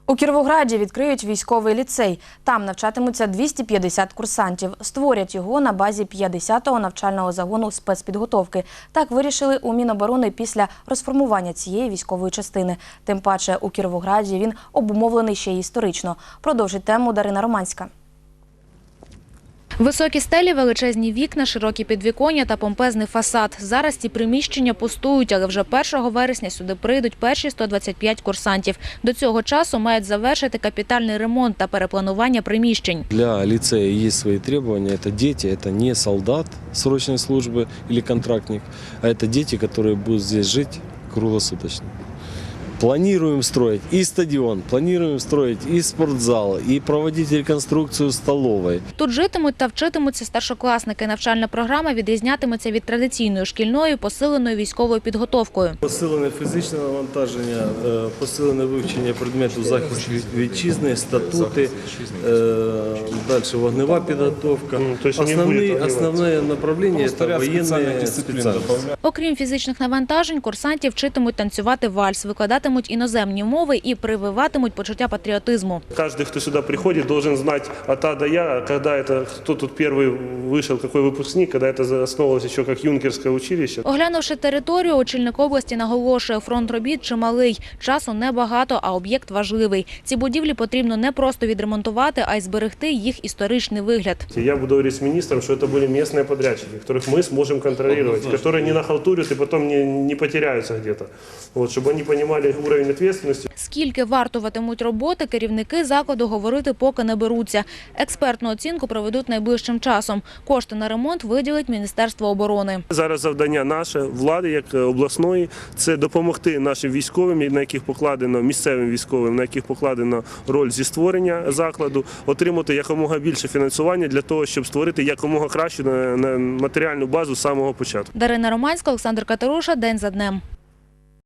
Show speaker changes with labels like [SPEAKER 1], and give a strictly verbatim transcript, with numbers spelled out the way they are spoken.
[SPEAKER 1] У Кіровограді відкриють військовий ліцей. Там навчатимуться двісті п'ятдесят курсантів. Створять його на базі п'ятдесятого навчального загону спецпідготовки. Так вирішили у Міноборони після розформування цієї військової частини. Тим паче у Кіровограді він обумовлений ще й історично. Продовжить тему Дарина Романська.
[SPEAKER 2] Високі стелі, величезні вікна, широкі підвіконня та помпезний фасад. Зараз ці приміщення пустують, але вже першого вересня сюди прийдуть перші сто двадцять п'ять курсантів. До цього часу мають завершити капітальний ремонт та перепланування приміщень.
[SPEAKER 3] Для лицея є свої требування. Це діти, це не солдат срочної служби або контрактник, а це діти, які будуть тут жити круглосуточно. Планируем строить и стадион, планируем строить и спортзал, и проводить реконструкцию столовой.
[SPEAKER 2] Тут житимуть та вчитимуться старшокласники. Навчальна програма відрізнятиметься від традиційної шкільної посиленою військовою підготовкою.
[SPEAKER 3] Посилене фізичне навантаження, посилене вивчення предмету захисту вітчизни, статути, далі вогнева підготовка. Основне, основне направлення – це воєнні спеціальності.
[SPEAKER 2] Окрім фізичних навантажень, курсантів вчитимуть танцювати вальс, викладатимуть іноземні мови і прививатимуть почуття патріотизму.
[SPEAKER 4] Каждый, кто сюда приходит, должен знать от А до Я, когда это, кто тут первый вышел, какой выпускник, когда это основывалось еще как юнкерское училище.
[SPEAKER 2] Оглянувши територію, очільник області наголошує, фронт робіт чималий. Часу небагато, а об'єкт важливий. Ці будівлі потрібно не просто відремонтувати, а й зберегти їх історичний вигляд.
[SPEAKER 4] Я буду говорить с министром, что это были местные подрядчики, которых мы сможем контролировать, которые не нахалтурят и потом не, не потеряются где-то. Вот, чтобы они понимали уровень ответственности.
[SPEAKER 2] Скільки вартуватимуть роботи, керівники закладу говорити поки не беруться. Експертну оцінку проведуть найближчим часом. Кошти на ремонт виділить Міністерство оборони.
[SPEAKER 4] Зараз завдання наше, влади, як обласної, це допомогти нашим військовим, на яких покладено, місцевим військовим, на яких покладено роль зі створення закладу, отримати якомога більше фінансування для того, щоб створити якомога кращу матеріальну базу з самого початку.
[SPEAKER 2] Дарина Романська, Олександр Катеруша. День за днем.